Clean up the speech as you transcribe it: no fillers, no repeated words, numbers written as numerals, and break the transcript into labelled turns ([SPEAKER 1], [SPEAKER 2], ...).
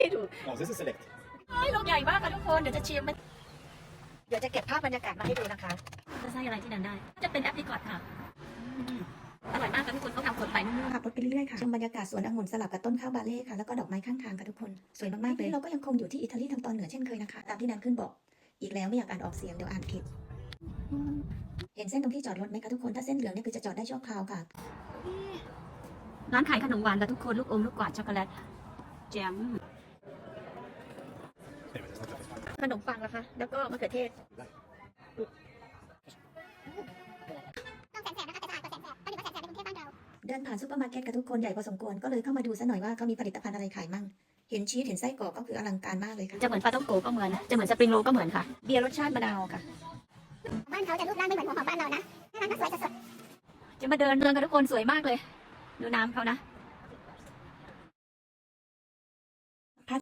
[SPEAKER 1] ดู
[SPEAKER 2] Oh, this is select.
[SPEAKER 1] ลูกใหญ่มากค่ะทุกคนเดี๋ยวจะชิมมันเดี๋ยวจะเก็บภาพบรรยากาศมาให้ดูนะคะจะใส่อะไรที่นั่นได้จะเป็นแอปริคอตค่ะอร่อยมากค่ะทุกคนเขาทำสดใหม่นุ่มๆขับรถไปเรื่อยๆค่ะชมบรรยากาศสวนองุ่นสลับกับต้นข้าวบาเล่ค่ะแล้วก็ดอกไม้ข้างทางค่ะทุกคนสวยมากๆเลยเราก็ยังคงอยู่ที่อิตาลีทางตอนเหนือเช่นเคยนะคะตามที่นันขึ้นบอกอีกแล้วไม่อยากอ่านออกเสียงเดี๋ยวอ่านผิดเห็นเส้นตรงที่จอดรถไหมคะทุกคนถ้าเส้นเหลืองเนี่ยคือจะจอดได้ชั่วคราวค่ะร้านขายขนมหวานค่ะทุกคนลูกอมลูกกวาดช็อกโกแลตแจม
[SPEAKER 2] Anyway, that's not perfect.
[SPEAKER 1] ขนมปังนะคะแล้วก็มะเขือเทศเดินผ่านซูเปอร์มาร์เก็ตกับทุกคนใหญ่พอสมควรก็เลยเข้ามาดูซะหน่อยว่าเขามีผลิตภัณฑ์อะไรขายมั่งเห็นชีสเห็นไส้กรอกก็คืออลังการมากเลยค่ะจะเหมือนปลาต้องโกก็เหมือนจะเหมือนสปริงโรลก็เหมือนค่ะเบียร์รสชาติมะนาวค่ะบ้านเขาจะรูปร่างไม่เหมือนของบ้านเรานะน่ารักสวยสดจะมาเดินเมืองกันทุกคนสวยมากเลยดูน้ำเขานะ